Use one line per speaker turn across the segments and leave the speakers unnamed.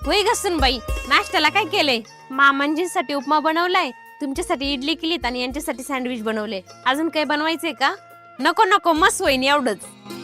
होय गसून बाई, नाश्त्याला काय केलंय? मामांजींसाठी उपमा बनवलाय, तुमच्यासाठी इडली केलीत आणि यांच्यासाठी सँडविच बनवले. अजून काही बनवायचंय का? नको नको, मस्त होईन एवढंच.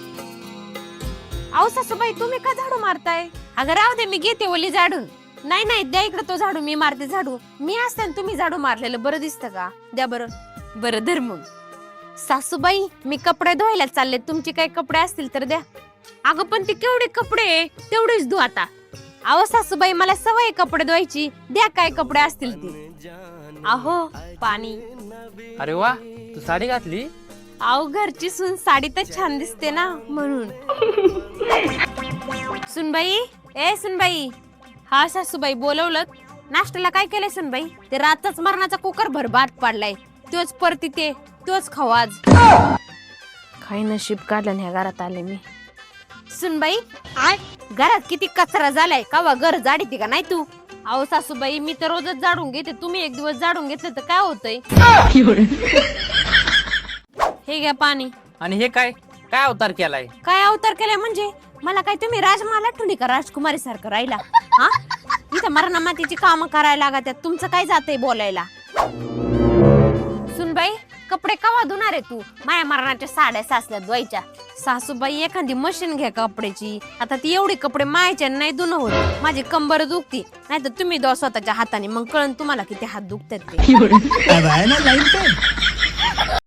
अहो सासूबाई, तुम्ही का झाडू मारताय? अगं राहू दे, मी घेते ओली झाडून. नाही नाही, द्या इकडे तो झाडू, मी मारते झाडू. मी असताना तुम्ही झाडू मारलेलं बरं दिसतं का? द्या बरं. बरं धर मग. सासूबाई, मी कपडे धुवायला चालले, तुमचे काही कपडे असतील तर द्या. अगं पण ते केवढे कपडे, तेवढेच धु आता. अहो सासूबाई, मला सवय कपडे धुवायची, द्या काय कपडे असतील ती. अहो पाणी.
अरे वा, तू साडी घातली?
अहो घरची सून साडी तर छान दिसते ना, म्हणून. सुनबाई, ए सुनबाई. हा सासूबाई, बोलवलं? नाश्त्याला काय केलंय सुनबाई? ते रातच मरणाचा कुकर भर भात पाडलाय, तोच परती ते तोच खाऊ आज. काही नशीब काढलं ह्या घरात आले मी. सुनबाई, घरात किती कचरा झालाय, का घर जाडीते का नाही तू? अहो सासूबाई, मी तर रोजच झाडून घेते, तुम्ही एक दिवस झाडून घेतलं तर काय होतंय? हे घ्या पाणी.
आणि हे काय काय अवतार केलाय?
काय अवतार केलाय म्हणजे? मला काय तुम्ही राजमाला ठुली का राजकुमारी सारखं राहिला? हा, इथं मरणा मातीची कामं करायला लागतात, तुमचं काय जातंय बोलायला? सुनबाई, कपडे कवा धुणार आहे तू? माया मरणाच्या साड्या सासल्या धुवायच्या. सासूबाई, एखादी मशीन घ्या कपड्याची. आता ती एवढी कपडे मायाच्या नाही धुणं होत, माझी कंबर दुखती. नाही तर तुम्ही धुवा स्वतःच्या हाताने, मग कळण तुम्हाला किती हात दुखतात ते.